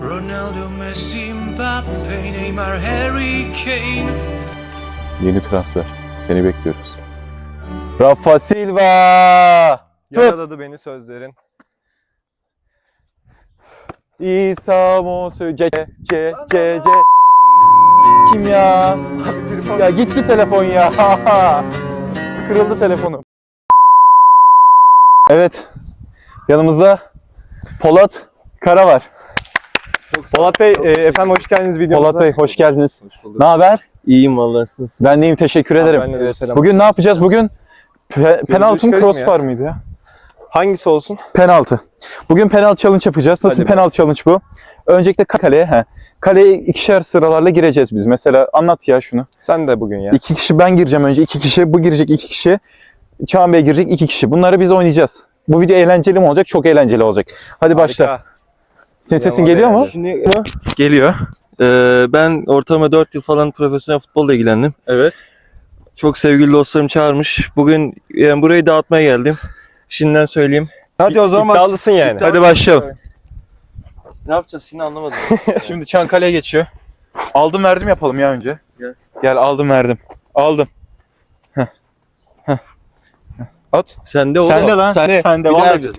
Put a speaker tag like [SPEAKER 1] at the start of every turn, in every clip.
[SPEAKER 1] Ronaldo, Messi, Mbappe, Neymar, Harry Kane.
[SPEAKER 2] Yeni transfer. Seni bekliyoruz. Rafa Silva!
[SPEAKER 3] Yaraladı beni sözlerin.
[SPEAKER 2] İsa Mosu C. Kim ya? Ya gitti telefon ya. Kırıldı telefonum. Evet. Yanımızda Polat Kara var.
[SPEAKER 3] Polat Bey, efendim hoş geldiniz videomuza.
[SPEAKER 2] Polat Bey hoş geldiniz. Ne haber?
[SPEAKER 3] İyiyim vallahi siz.
[SPEAKER 2] Ben deyim, teşekkür ederim.
[SPEAKER 3] Ben de selam.
[SPEAKER 2] Bugün ne yapacağız? Bugün penaltı mı
[SPEAKER 3] çıkarayım
[SPEAKER 2] crossbar mıydı ya?
[SPEAKER 3] Hangisi olsun?
[SPEAKER 2] Penaltı. Bugün penaltı challenge yapacağız. Nasıl
[SPEAKER 3] Hadi
[SPEAKER 2] penaltı challenge bu? Öncelikle kaleye. Kaleye ikişer sıralarla gireceğiz biz. Mesela anlat ya şunu.
[SPEAKER 3] Sen de bugün ya.
[SPEAKER 2] 2 kişi ben gireceğim önce. 2 kişi bu girecek, 2 kişi. Çağan Bey girecek, 2 kişi. Bunları biz oynayacağız. Bu video eğlenceli mi olacak? Çok eğlenceli olacak. Hadi başla.
[SPEAKER 3] Harika.
[SPEAKER 2] Senin sesin
[SPEAKER 3] Devam
[SPEAKER 2] geliyor mu?
[SPEAKER 3] edelim.
[SPEAKER 4] Şimdi
[SPEAKER 2] Geliyor.
[SPEAKER 4] ben ortalama 4 yıl falan profesyonel futbolla ilgilendim.
[SPEAKER 2] Evet.
[SPEAKER 4] Çok sevgili dostlarım çağırmış. Bugün yani burayı dağıtmaya geldim. Şimdiden söyleyeyim.
[SPEAKER 3] Hadi o zaman. İddialısın yani.
[SPEAKER 2] Hadi başlayalım.
[SPEAKER 4] Ne yapacağız şimdi anlamadım.
[SPEAKER 2] Şimdi Çankale'ye geçiyor. Aldım verdim yapalım ya önce.
[SPEAKER 4] Gel.
[SPEAKER 2] Gel aldım verdim. Aldım. Heh. At.
[SPEAKER 4] Sende o.
[SPEAKER 2] Sende lan.
[SPEAKER 4] Sende.
[SPEAKER 2] Sende.
[SPEAKER 4] Bir daha
[SPEAKER 2] Vallahi.
[SPEAKER 4] yapacağız.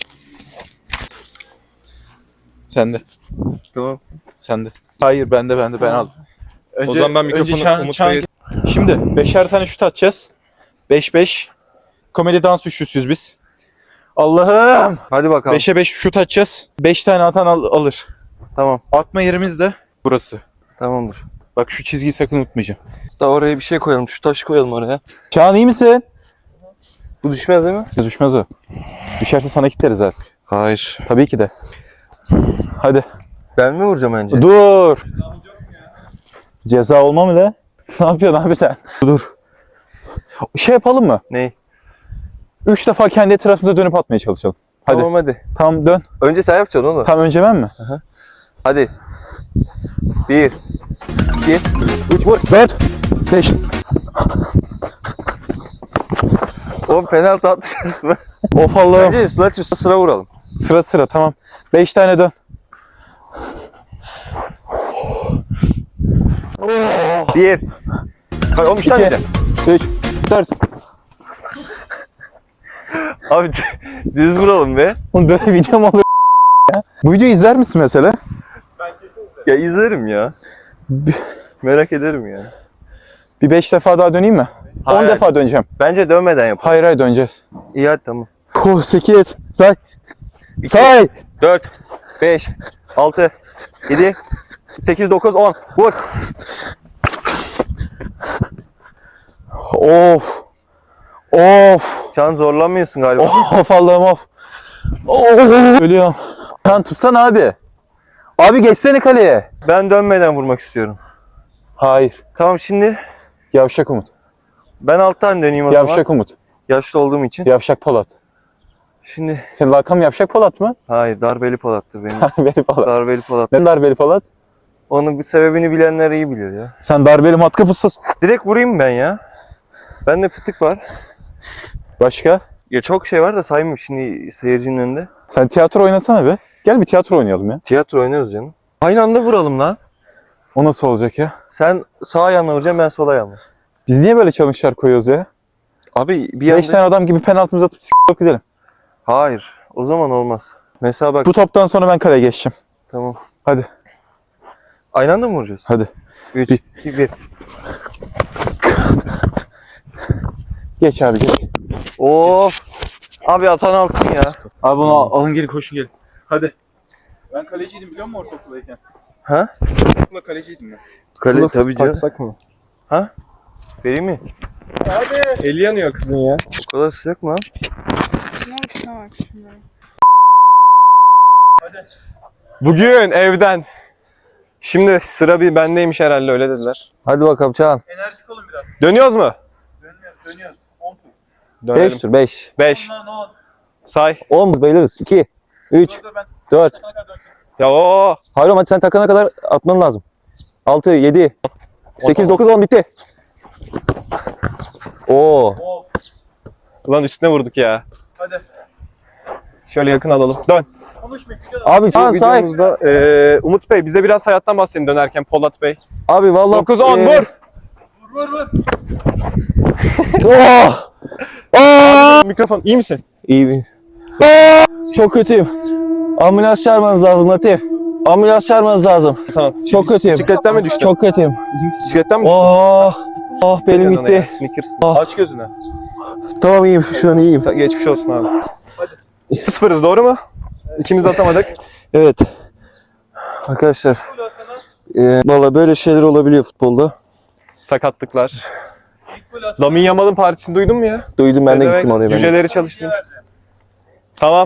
[SPEAKER 2] Sende.
[SPEAKER 4] Tamam.
[SPEAKER 2] Sende. Hayır bende ben aldım. Önce,
[SPEAKER 3] O zaman ben mikrofonu Umut Bey'e-
[SPEAKER 2] Şimdi 5'er tane şut atacağız. 5-5. Komedi dans üçlüsüyüz biz. Allah'ım.
[SPEAKER 4] Hadi bakalım.
[SPEAKER 2] 5'e 5 şut atacağız. 5 tane atan alır.
[SPEAKER 4] Tamam.
[SPEAKER 2] Atma yerimiz de burası.
[SPEAKER 4] Tamamdır.
[SPEAKER 2] Bak şu çizgiyi sakın unutmayacağım.
[SPEAKER 4] Da oraya bir şey koyalım. Şu taşı koyalım oraya.
[SPEAKER 2] Çağan iyi misin?
[SPEAKER 4] Bu düşmez değil mi?
[SPEAKER 2] Düşmez o. Düşerse sana kitleriz artık.
[SPEAKER 4] Hayır.
[SPEAKER 2] Tabii ki de. Hadi.
[SPEAKER 4] Ben mi vuracağım önce?
[SPEAKER 2] Dur. Ceza olma mı de? Ne yapıyorsun abi sen? Dur. Şey yapalım mı?
[SPEAKER 4] Ney?
[SPEAKER 2] 3 defa kendi etrafımıza dönüp atmaya çalışalım. Hadi.
[SPEAKER 4] Tamam hadi.
[SPEAKER 2] Tamam dön.
[SPEAKER 4] Önce sen yapacaksın oğlum.
[SPEAKER 2] Tam önce ben mi?
[SPEAKER 4] Hadi. 1 2 3 vur.
[SPEAKER 2] 4 5
[SPEAKER 4] Oğlum penaltı atmışız mı?
[SPEAKER 2] Of Allah'ım.
[SPEAKER 4] Bence sıra vuralım.
[SPEAKER 2] Sıra sıra tamam. 5 tane dön.
[SPEAKER 4] 1 Hayır oğlum 3 tane
[SPEAKER 2] 2
[SPEAKER 4] diyeceğim.
[SPEAKER 2] 3 4
[SPEAKER 4] Abi düz vuralım be.
[SPEAKER 2] Oğlum böyle video mu olur ya? Bu videoyu izler misin mesela?
[SPEAKER 4] Ya izlerim ya. Merak ederim ya.
[SPEAKER 2] Bir 5 defa daha döneyim mi? 10
[SPEAKER 4] Hayır.
[SPEAKER 2] defa döneceğim.
[SPEAKER 4] Bence dönmeden yap.
[SPEAKER 2] Hayır hayır döneceğiz.
[SPEAKER 4] İyi hadi tamam.
[SPEAKER 2] 8 say. Say.
[SPEAKER 4] 4 5 6 7 8 9 10 vur.
[SPEAKER 2] Of. Of.
[SPEAKER 4] Can zorlanmıyorsun galiba.
[SPEAKER 2] Of Allah'ım of. Of. Ölüyorum. Sen tutsana abi. Abi geçsene kaleye.
[SPEAKER 4] Ben dönmeden vurmak istiyorum.
[SPEAKER 2] Hayır.
[SPEAKER 4] Tamam şimdi
[SPEAKER 2] Yavşak Umut.
[SPEAKER 4] ben alttan döneyim o zaman.
[SPEAKER 2] Yavşak Umut.
[SPEAKER 4] Yaşlı olduğum için.
[SPEAKER 2] Yavşak Polat.
[SPEAKER 4] Şimdi
[SPEAKER 2] Senin lakam Yavşak Polat mı?
[SPEAKER 4] hayır darbeli Polat'tı benim.
[SPEAKER 2] Darbeli Polat.
[SPEAKER 4] Darbeli Polat.
[SPEAKER 2] Neden darbeli Polat?
[SPEAKER 4] Onun bir sebebini bilenler iyi bilir ya.
[SPEAKER 2] Sen darbeli matkap ustası.
[SPEAKER 4] Direkt vurayım ben ya. Bende fıtık var.
[SPEAKER 2] Başka?
[SPEAKER 4] Ya çok şey var da saymayayım şimdi seyircinin önünde.
[SPEAKER 2] Sen tiyatro oynasana be. Gel bir tiyatro oynayalım ya.
[SPEAKER 4] Tiyatro oynarız canım. Aynı anda vuralım lan.
[SPEAKER 2] O nasıl olacak ya?
[SPEAKER 4] Sen sağ ayağınla vuracaksın, ben sol ayağımla.
[SPEAKER 2] Biz niye böyle challenge'lar koyuyoruz ya?
[SPEAKER 4] Abi bir
[SPEAKER 2] 5
[SPEAKER 4] anda...
[SPEAKER 2] tane adam gibi penaltımızı atıp s***lık gidelim.
[SPEAKER 4] Hayır. O zaman olmaz. Mesela bak.
[SPEAKER 2] Bu toptan sonra ben kaleye geçeceğim.
[SPEAKER 4] Tamam.
[SPEAKER 2] Hadi.
[SPEAKER 4] Aynı anda mı vuracağız?
[SPEAKER 2] Hadi.
[SPEAKER 4] 3,
[SPEAKER 2] Bir.
[SPEAKER 4] 2, 1.
[SPEAKER 2] Geç abi geç.
[SPEAKER 4] Of. Abi atan alsın ya.
[SPEAKER 2] Abi bunu alın gelin koşun gelin. Hadi. Ben kaleciydim biliyor musun ortaokuldayken?
[SPEAKER 4] Ha?
[SPEAKER 2] Ortaokulda kaleciydim ben.
[SPEAKER 4] Kale tabii canım.
[SPEAKER 3] Taksak mı?
[SPEAKER 4] Vereyim mi?
[SPEAKER 3] Eli yanıyor kızın ya.
[SPEAKER 4] O kadar sıcak mı lan?
[SPEAKER 5] Şuna bak şuna bak şuna.
[SPEAKER 3] Bugün evden. Şimdi sıra bir bendeymiş herhalde öyle dediler.
[SPEAKER 4] Hadi bakalım Çağan.
[SPEAKER 2] Enerjik olun biraz.
[SPEAKER 3] Dönüyoruz mu?
[SPEAKER 2] Dönüyoruz. 10 tur.
[SPEAKER 3] Dönelim.
[SPEAKER 4] 5 tur 5.
[SPEAKER 3] 5.
[SPEAKER 2] 10.
[SPEAKER 3] Say.
[SPEAKER 4] 10 bayılırız. 2, 3,
[SPEAKER 2] Ben
[SPEAKER 4] 4.
[SPEAKER 3] Ya o.
[SPEAKER 4] Hayır hadi sen takana kadar atman lazım. 6, 7, 8, 9, 10 bitti. Oo.
[SPEAKER 2] Of.
[SPEAKER 3] Ulan üstüne vurduk ya.
[SPEAKER 2] Hadi.
[SPEAKER 3] Şöyle yakın alalım. Dön.
[SPEAKER 2] Abi
[SPEAKER 3] Bu
[SPEAKER 2] can sahip.
[SPEAKER 3] videomuzda Umut Bey bize biraz hayattan bahsedin dönerken Polat Bey.
[SPEAKER 2] Abi vallahi
[SPEAKER 3] 9-10 vur.
[SPEAKER 2] Oh! Oh!
[SPEAKER 3] Mikrofon iyi misin?
[SPEAKER 2] İyi bir. Çok kötüyüm. Ambulans çağırmanız lazım Latif. Ambulans çağırmanız lazım.
[SPEAKER 3] Tamam.
[SPEAKER 2] Çok kötüyüm.
[SPEAKER 3] Bisikletten mi düştün?
[SPEAKER 2] Çok kötüyüm.
[SPEAKER 3] Bisikletten mi düştün?
[SPEAKER 2] Oh! Oh benim
[SPEAKER 3] Yanına ya,
[SPEAKER 2] gitti.
[SPEAKER 3] Snickers.
[SPEAKER 2] Ah.
[SPEAKER 3] Aç gözünü.
[SPEAKER 2] Tamam iyiyim. Şu an iyiyim.
[SPEAKER 3] Geçmiş olsun abi. Hadi. 0'ız doğru mu? İkimiz de atamadık.
[SPEAKER 4] Evet. Arkadaşlar. Valla böyle şeyler olabiliyor futbolda.
[SPEAKER 3] Sakatlıklar. Lamine Yamal'ın partisini duydun mu ya?
[SPEAKER 4] Duydum ben de
[SPEAKER 3] Pezevenk,
[SPEAKER 4] gittim oraya. Ben de.
[SPEAKER 3] Cüceleri çalıştım. Tamam.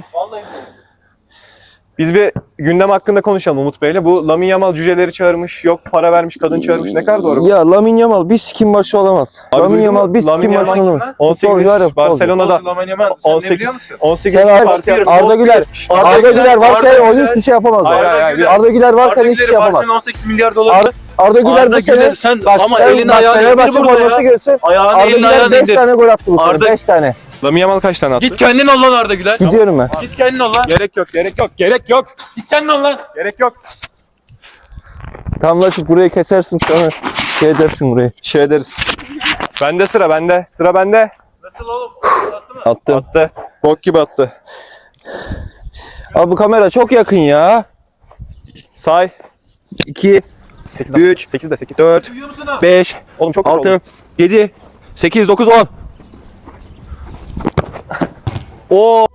[SPEAKER 3] Biz bir gündem hakkında konuşalım Umut Bey'le. Bu Lamine Yamal cüceleri çağırmış, yok para vermiş, kadın çağırmış. Ne kadar doğru bu?
[SPEAKER 4] Ya Lamine Yamal bir sikim başı olamaz.
[SPEAKER 3] Abi
[SPEAKER 4] Lamine
[SPEAKER 3] duydun
[SPEAKER 4] Yamal
[SPEAKER 3] mu?
[SPEAKER 4] bir sikim
[SPEAKER 3] Lamine
[SPEAKER 4] başı
[SPEAKER 3] Yamal
[SPEAKER 4] olamaz.
[SPEAKER 3] 18
[SPEAKER 4] Futbolcu var ya,
[SPEAKER 3] yaş
[SPEAKER 4] futbolcu.
[SPEAKER 3] Barcelona'da
[SPEAKER 1] Lamine Yamal, sen ne biliyor
[SPEAKER 3] 18
[SPEAKER 1] musun?
[SPEAKER 3] 18
[SPEAKER 4] Sen
[SPEAKER 3] yaş
[SPEAKER 4] Arda,
[SPEAKER 3] parti yapmış.
[SPEAKER 4] Arda Güler. Arda Güler varken o hiçbir şey yapamaz.
[SPEAKER 3] Hayır, hayır, hayır.
[SPEAKER 4] Arda Güler varken
[SPEAKER 1] Arda
[SPEAKER 4] hiçbir şey
[SPEAKER 1] Güler'i
[SPEAKER 4] yapamaz.
[SPEAKER 1] Barcelona 18 milyar dolar.
[SPEAKER 4] Arda Güler
[SPEAKER 1] Arda
[SPEAKER 4] bu sene
[SPEAKER 1] Güler sen
[SPEAKER 4] bak,
[SPEAKER 1] ama
[SPEAKER 4] sen
[SPEAKER 1] elini
[SPEAKER 4] bak,
[SPEAKER 1] ayağını
[SPEAKER 4] Fenerbahçe
[SPEAKER 1] indir burada
[SPEAKER 4] forması
[SPEAKER 1] ya.
[SPEAKER 4] görsün.
[SPEAKER 1] Ayağını
[SPEAKER 4] Arda
[SPEAKER 1] elini
[SPEAKER 4] Güler
[SPEAKER 1] ayağını
[SPEAKER 4] 5
[SPEAKER 1] indir.
[SPEAKER 4] tane gol attı bu sene.
[SPEAKER 1] Arda-
[SPEAKER 4] 5 tane.
[SPEAKER 3] Lamine Yamal kaç tane attı?
[SPEAKER 1] Git kendin ol lan Arda Güler.
[SPEAKER 4] Gidiyorum ben.
[SPEAKER 1] Git kendin ol lan.
[SPEAKER 3] Gerek yok, gerek yok, gerek yok.
[SPEAKER 1] Git kendin ol lan.
[SPEAKER 3] Gerek yok.
[SPEAKER 4] Tam Latif burayı kesersin sonra şey edersin burayı.
[SPEAKER 3] Şey ederiz. Bende sıra, bende. Sıra bende.
[SPEAKER 1] Nasıl oğlum? Attı mı?
[SPEAKER 4] Attım.
[SPEAKER 3] Attı. Bok gibi attı.
[SPEAKER 4] Abi bu kamera çok yakın ya.
[SPEAKER 3] Say.
[SPEAKER 4] 2,
[SPEAKER 3] 8,
[SPEAKER 4] 3,
[SPEAKER 3] 8 de 8.
[SPEAKER 4] 4,
[SPEAKER 1] Duyuyor musun ha?
[SPEAKER 4] 5,
[SPEAKER 3] Oğlum çok kötü oldu.
[SPEAKER 4] 6, 7, 8, 9, 10. Oo.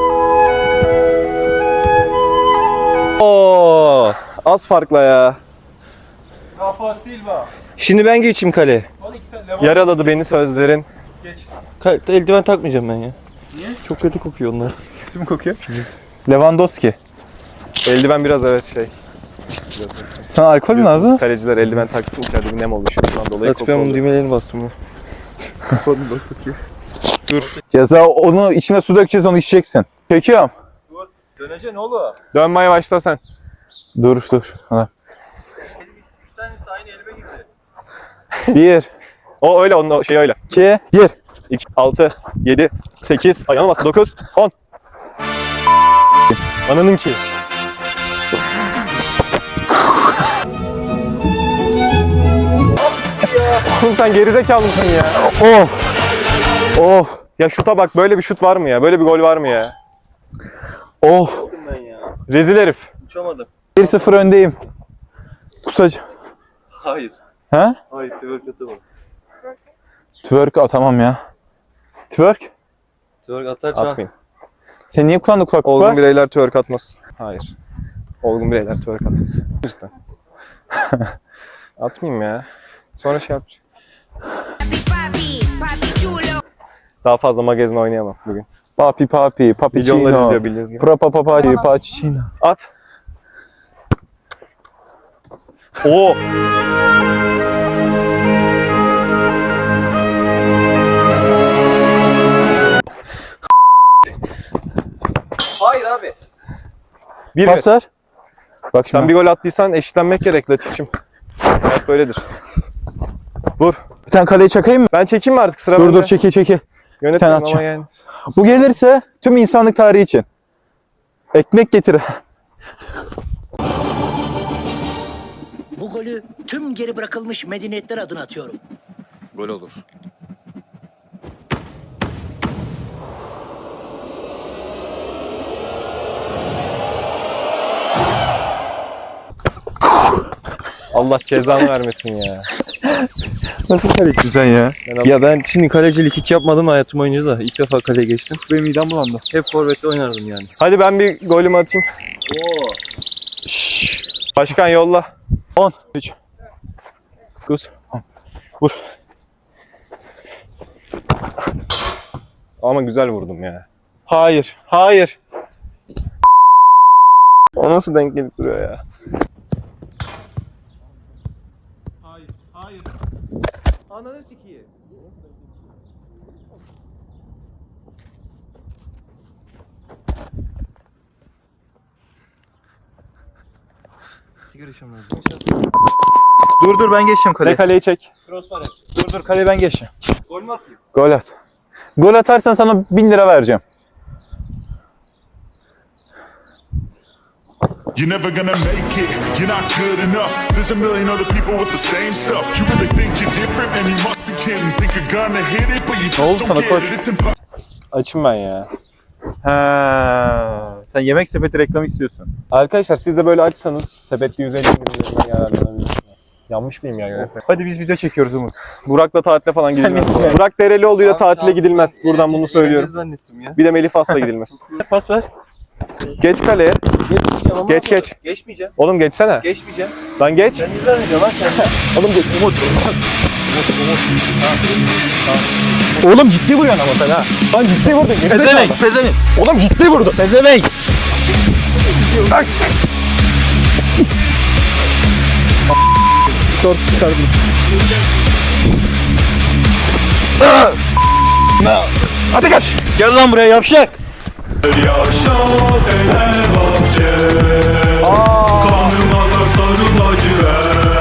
[SPEAKER 4] Oo.
[SPEAKER 3] Az farkla ya.
[SPEAKER 1] Rafa Silva.
[SPEAKER 4] Şimdi ben geçeyim kaleye.
[SPEAKER 3] Yaraladı beni sözlerin.
[SPEAKER 4] Eldiven takmayacağım ben ya. Niye? Çok kötü kokuyor onlar.
[SPEAKER 2] Kim kokuyor? Lewandowski.
[SPEAKER 3] Eldiven biraz evet şey.
[SPEAKER 2] Sana alkol mü
[SPEAKER 3] Biliyorsunuz
[SPEAKER 2] lazım?
[SPEAKER 3] kaleciler eldiven taktı içeride bir nem oluşuyor. Bundan dolayı
[SPEAKER 4] Latif
[SPEAKER 3] koku
[SPEAKER 4] ben bunun
[SPEAKER 3] oluyor.
[SPEAKER 4] düğmelerini bastım ya.
[SPEAKER 2] Ceza onu içine su dökeceğiz onu içeceksin. Çekiyorum.
[SPEAKER 1] Döneceksin oğlum.
[SPEAKER 3] Dönmeye başla sen.
[SPEAKER 2] Dur. Ha.
[SPEAKER 1] 3 tanesi aynı elime girdi.
[SPEAKER 2] 1,
[SPEAKER 3] O öyle onun şey öyle.
[SPEAKER 2] 2, gir.
[SPEAKER 3] 2, 6, 7, 8, ayağına bastı 9, 10. Ananın ki. Oğlum sen gerizekalı mısın ya?
[SPEAKER 2] Of. Of.
[SPEAKER 3] Ya şuta bak böyle bir şut var mı ya? Böyle bir gol var mı ya?
[SPEAKER 2] Of.
[SPEAKER 3] Rezil herif.
[SPEAKER 4] Uçamadım.
[SPEAKER 2] 1-0 öndeyim. Kusacağım.
[SPEAKER 4] Hayır.
[SPEAKER 2] He?
[SPEAKER 4] Hayır, twerk atamam.
[SPEAKER 2] Twerk atamam ya. Twerk?
[SPEAKER 4] Twerk atarsan.
[SPEAKER 3] Atmayayım.
[SPEAKER 2] Sen niye kullandın kulaklık
[SPEAKER 3] Olgun
[SPEAKER 2] var?
[SPEAKER 3] bireyler twerk atmaz. Hayır. Olgun bireyler twerk atmaz. Cidden. Atmayayım ya. Sonra şey yapacağım. Daha fazla magazin oynayamam bugün.
[SPEAKER 2] Papi
[SPEAKER 3] Milyonlar
[SPEAKER 2] papicino.
[SPEAKER 3] izliyor bildiğiniz gibi.
[SPEAKER 2] Papicino.
[SPEAKER 3] At. Oo.
[SPEAKER 1] Hayır abi.
[SPEAKER 3] Bir
[SPEAKER 2] Pas ver. Bak
[SPEAKER 3] Sen
[SPEAKER 2] şimdi.
[SPEAKER 3] bir gol attıysan eşitlenmek gerek Latif'cim. Hayat böyledir. Vur.
[SPEAKER 2] Bir tane kaleyi çakayım mı?
[SPEAKER 3] Ben çekeyim mi artık sıra
[SPEAKER 2] Dur
[SPEAKER 3] bende?
[SPEAKER 2] çeki.
[SPEAKER 3] Yönetmenim
[SPEAKER 2] Sen
[SPEAKER 3] ama
[SPEAKER 2] atacağım.
[SPEAKER 3] yani.
[SPEAKER 2] Bu gelirse tüm insanlık tarihi için. Ekmek getir.
[SPEAKER 6] Bu golü tüm geri bırakılmış medeniyetler adına atıyorum.
[SPEAKER 7] Gol olur.
[SPEAKER 3] Allah cezanı vermesin ya.
[SPEAKER 2] Nasıl kaleci sen ya?
[SPEAKER 4] Ya ben şimdi kalecilik hiç yapmadım hayatım boyunca da. İlk defa kaleye geçtim.
[SPEAKER 2] Benim midem bulandı.
[SPEAKER 4] Hep forvette oynardım yani.
[SPEAKER 3] Hadi ben bir golümü atayım. Başkan yolla.
[SPEAKER 2] 10. 3. 9. Vur.
[SPEAKER 3] Ama güzel vurdum ya.
[SPEAKER 2] Hayır. Hayır.
[SPEAKER 3] O nasıl denk gelip duruyor ya?
[SPEAKER 1] Hayır.
[SPEAKER 4] Ananı sikiyim. Sigara içmem lazım.
[SPEAKER 2] Dur ben geçeceğim
[SPEAKER 3] Ne
[SPEAKER 2] kaleye.
[SPEAKER 3] kaleyi çek.
[SPEAKER 2] Dur kaleye ben geçeceğim.
[SPEAKER 1] Gol mü atayım?
[SPEAKER 2] Gol at. Gol atarsan sana 1000 lira vereceğim.
[SPEAKER 7] You're never gonna make it, you're not good enough. There's a million other people with the same stuff. You really think you're different, man, you must be kidding. Think you're gonna hit it, but you
[SPEAKER 2] Ne oldu
[SPEAKER 7] just
[SPEAKER 2] sana
[SPEAKER 7] don't
[SPEAKER 2] koç?
[SPEAKER 7] get it. It's impossible.
[SPEAKER 3] Açım ben ya.
[SPEAKER 2] Ha, sen yemek sepeti reklamı istiyorsun.
[SPEAKER 3] Arkadaşlar siz de böyle açsanız sepetli 150 indirimlerinden yararlanabilirsiniz. Yanlış mıyım ya?
[SPEAKER 2] Hadi biz video çekiyoruz Umut.
[SPEAKER 3] Burak'la tatile falan gidilmez.
[SPEAKER 2] gitme.
[SPEAKER 3] Burak Derelioğlu'yla tatile gidilmez. Buradan bunu söylüyorum.
[SPEAKER 4] Zannettim ya.
[SPEAKER 3] Bir de Melih Fas'la gidilmez.
[SPEAKER 1] Pas ver.
[SPEAKER 3] Geç kaleye.
[SPEAKER 1] Geçmeyeceğim ama.
[SPEAKER 3] Geç, geç.
[SPEAKER 1] Geçmeyeceğim.
[SPEAKER 3] Oğlum geçsene.
[SPEAKER 1] Geçmeyeceğim.
[SPEAKER 3] Lan geç.
[SPEAKER 1] Sen ne zannediyorsun lan sen?
[SPEAKER 3] Oğlum geç.
[SPEAKER 2] Oğlum ciddi vuruyorsun ama sen ha.
[SPEAKER 3] Lan ciddi vurdun.
[SPEAKER 2] Pezevenk, pezevenk.
[SPEAKER 3] Oğlum ciddi vurdu.
[SPEAKER 2] Pezevenk.
[SPEAKER 3] Short çıkardım.
[SPEAKER 2] Hadi kaç. Gel lan buraya yavşak.
[SPEAKER 7] Yaşa Fenerbahçe.
[SPEAKER 3] Aa